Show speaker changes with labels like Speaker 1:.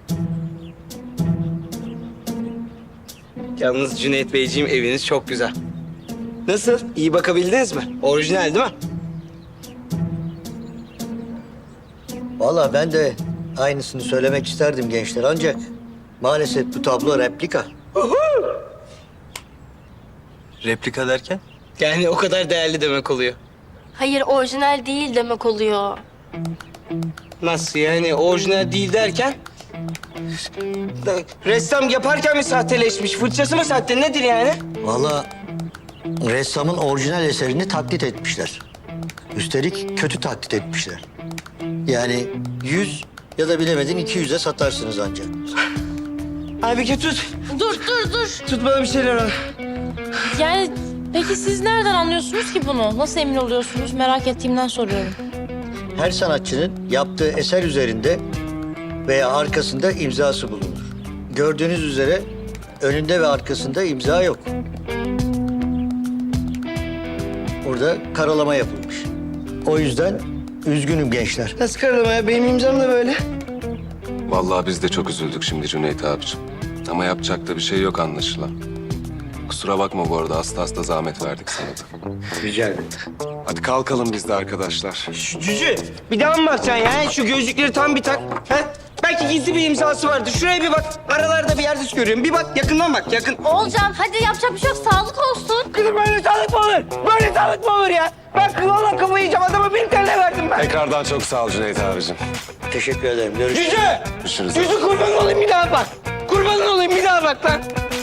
Speaker 1: Yalnız Cüneyt Beyciğim eviniz çok güzel. Nasıl? İyi bakabildiniz mi? Orijinal değil mi?
Speaker 2: Vallahi ben de aynısını söylemek isterdim gençler ancak maalesef bu tablo replika.
Speaker 3: Replika derken?
Speaker 1: Yani o kadar değerli demek oluyor.
Speaker 4: Hayır, orijinal değil demek oluyor.
Speaker 1: Nasıl yani orijinal değil derken? Ressam yaparken mi sahteleşmiş? Fırçası mı sahte? Nedir yani?
Speaker 2: Vallahi ressamın orijinal eserini taklit etmişler. Üstelik kötü taklit etmişler. Yani 100 ya da bilemedin 200'e satarsınız ancak.
Speaker 1: Abi tut.
Speaker 4: Dur.
Speaker 1: Tut bana bir şeyler al.
Speaker 4: Yani peki siz nereden anlıyorsunuz ki bunu? Nasıl emin oluyorsunuz? Merak ettiğimden soruyorum.
Speaker 2: Her sanatçının yaptığı eser üzerinde veya arkasında imzası bulunur. Gördüğünüz üzere önünde ve arkasında imza yok. Burada karalama yapılmış. O yüzden üzgünüm gençler.
Speaker 1: Nasıl karalama ya? Benim imzam da böyle.
Speaker 5: Vallahi biz de çok üzüldük şimdi Cüneyt abicim. Ama yapacak da bir şey yok anlaşılan. Kusura bakma bu arada hasta zahmet verdik sana da.
Speaker 2: Rica ederim.
Speaker 5: Hadi kalkalım biz de arkadaşlar.
Speaker 1: Cücü bir daha mı bakacaksın ya? Şu gözlükleri tam bir tak. He? Belki gizli bir imzası vardır. Şuraya bir bak. Aralarda bir yerde görüyorum. Bir bak yakından bak yakın.
Speaker 4: Olcan, hadi yapacak bir şey yok. Sağlık olsun.
Speaker 1: Kızım böyle sağlık mı olur? Böyle sağlık mı olur ya? Ben valla kafayı yiyeceğim. Adama 1 TL verdim ben.
Speaker 5: Tekrardan çok sağ ol Cüneyt abicim.
Speaker 2: Teşekkür ederim. Görüşürüz.
Speaker 1: Cücü!
Speaker 5: Görüşürüz.
Speaker 1: Cücü kurban olayım bir daha bak. Kurban olayım bir daha bak lan.